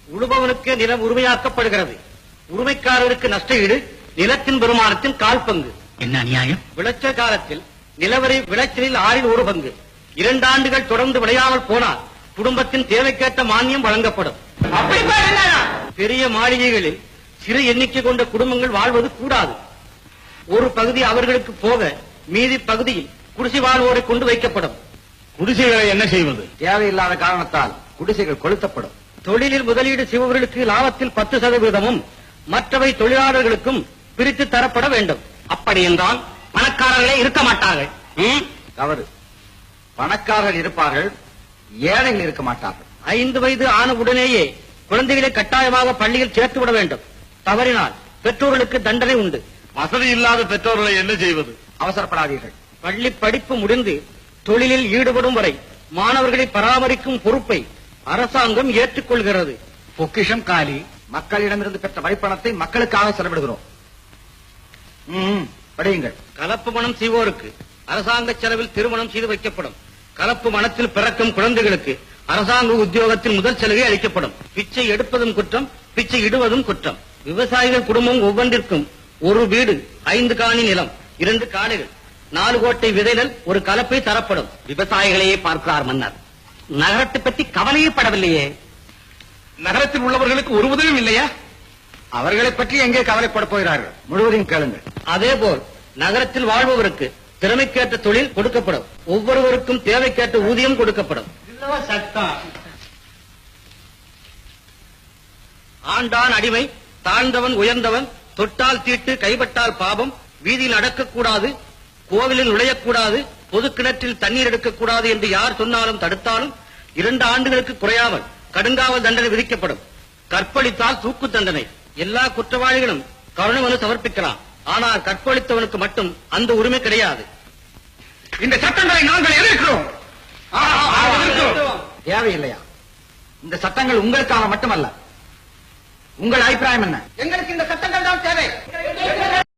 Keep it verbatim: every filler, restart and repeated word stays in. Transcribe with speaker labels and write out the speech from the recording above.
Speaker 1: உழுபவனுக்கு நிலம் உரிமையாக்கப்படுகிறது. உரிமைக்காரருக்கு நஷ்ட ஈடு நிலத்தின் பெருமானத்தின் கால் பங்கு.
Speaker 2: என்ன அநியாயம்?
Speaker 1: விளைச்சல் காலத்தில் நிலவரி விளைச்சலில் ஆறில் ஒரு பங்கு. இரண்டு ஆண்டுகள் தொடர்ந்து விளையாமல் போனால் குடும்பத்தின் தேவைக்கேற்ற மானியம் வழங்கப்படும். பெரிய மாளிகைகளில் சிறு எண்ணிக்கை கொண்ட குடும்பங்கள் வாழ்வது கூடாது. ஒரு பகுதி அவர்களுக்கு போக மீதி பகுதியில் குடிசை வாழ்வோரை கொண்டு வைக்கப்படும்.
Speaker 3: குடிசைகளை என்ன செய்வது?
Speaker 4: தேவையில்லாத காரணத்தால் குடிசைகள் கொளுத்தப்படும்.
Speaker 1: தொழிலில் முதலீடு செய்பவர்களுக்கு லாபத்தில் பத்து சதவீதமும் மற்றவை தொழிலாளர்களுக்கும் பிரித்து தரப்பட வேண்டும்.
Speaker 2: அப்படி என்றால் பணக்காரர்களே இருக்க மாட்டார்கள்.
Speaker 4: தவறு. பணக்காரர்கள் இருப்பார்கள், ஏழைகள் இருக்க மாட்டார்கள்.
Speaker 1: ஐந்து வயது ஆன உடனேயே குழந்தைகளை கட்டாயமாக பள்ளியில் சேர்த்து விட வேண்டும். தவறினால் பெற்றோர்களுக்கு தண்டனை உண்டு.
Speaker 3: வசதி இல்லாத பெற்றோர்களை என்ன செய்வது?
Speaker 4: அவசரப்படாதீர்கள்.
Speaker 1: பள்ளி படிப்பு முடிந்து தொழிலில் ஈடுபடும் வரை மாணவர்களை பராமரிக்கும் பொறுப்பை அரசாங்கம் ஏற்றுக்கொள்கிறது.
Speaker 4: பொக்கிஷம் காலி. மக்களிடமிருந்து பெற்ற வரிப்பணத்தை மக்களுக்காக செலவிடுகிறோம். படியுங்கள்.
Speaker 1: கலப்பு மனம் செய்வோருக்கு அரசாங்க செலவில் திருமணம் செய்து வைக்கப்படும். கலப்பு மனத்தில் பிறக்கும் குழந்தைகளுக்கு அரசாங்க உத்தியோகத்தில் முதல் சலுகை அளிக்கப்படும். பிச்சை எடுப்பதும் குற்றம், பிச்சை இடுவதும் குற்றம். விவசாயிகள் குடும்பம் ஒவ்வொன்றிற்கும் ஒரு வீடு, ஐந்து காணி நிலம், இரண்டு காடுகள், நாலு கோட்டை விதைகள், ஒரு கலப்பை தரப்படும்.
Speaker 2: விவசாயிகளையே பார்க்கிறார் மன்னர். நகரத்தை பற்றி கவலையே படவில்லையே.
Speaker 3: நகரத்தில் உள்ளவர்களுக்கு ஒரு உதவியும் இல்லையா?
Speaker 4: அவர்களை பற்றி எங்கே கவலைப்பட போகிறார்கள்? முழுவதையும் கேளுங்கள்.
Speaker 1: அதேபோல் நகரத்தில் வாழ்பவருக்கு திறமைக்கேற்ற தொழில் கொடுக்கப்படும். ஒவ்வொருவருக்கும் தேவைக்கேற்ற ஊதியம் கொடுக்கப்படும்.
Speaker 2: சட்டம்.
Speaker 1: ஆண்டான் அடிமை, தாழ்ந்தவன் உயர்ந்தவன், தொட்டால் தீட்டு, கைப்பட்டால் பாபம், வீதியில் நடக்கக்கூடாது, கோவிலில் நுழையக்கூடாது, பொது கிணற்றில் தண்ணீர் எடுக்கக்கூடாது என்று யார் சொன்னாலும் தடுத்தாலும் இரண்டு ஆண்டுகளுக்கு குறையாமல் கடுங்காவல் தண்டனை விதிக்கப்படும். கற்பழித்தால் தூக்கு தண்டனை. எல்லா குற்றவாளிகளும் கருணை மனு சமர்ப்பிக்கலாம். ஆனால் கற்பழித்தவனுக்கு மட்டும் அந்த உரிமை கிடையாது.
Speaker 3: இந்த சட்டங்களை நாங்கள் எதிர்க்கிறோம்.
Speaker 4: தேவையில்லையா? இந்த சட்டங்கள் உங்களுக்காக மட்டுமல்ல. உங்கள் அபிப்பிராயம் என்ன?
Speaker 1: எங்களுக்கு இந்த சட்டங்கள் தான் தேவை.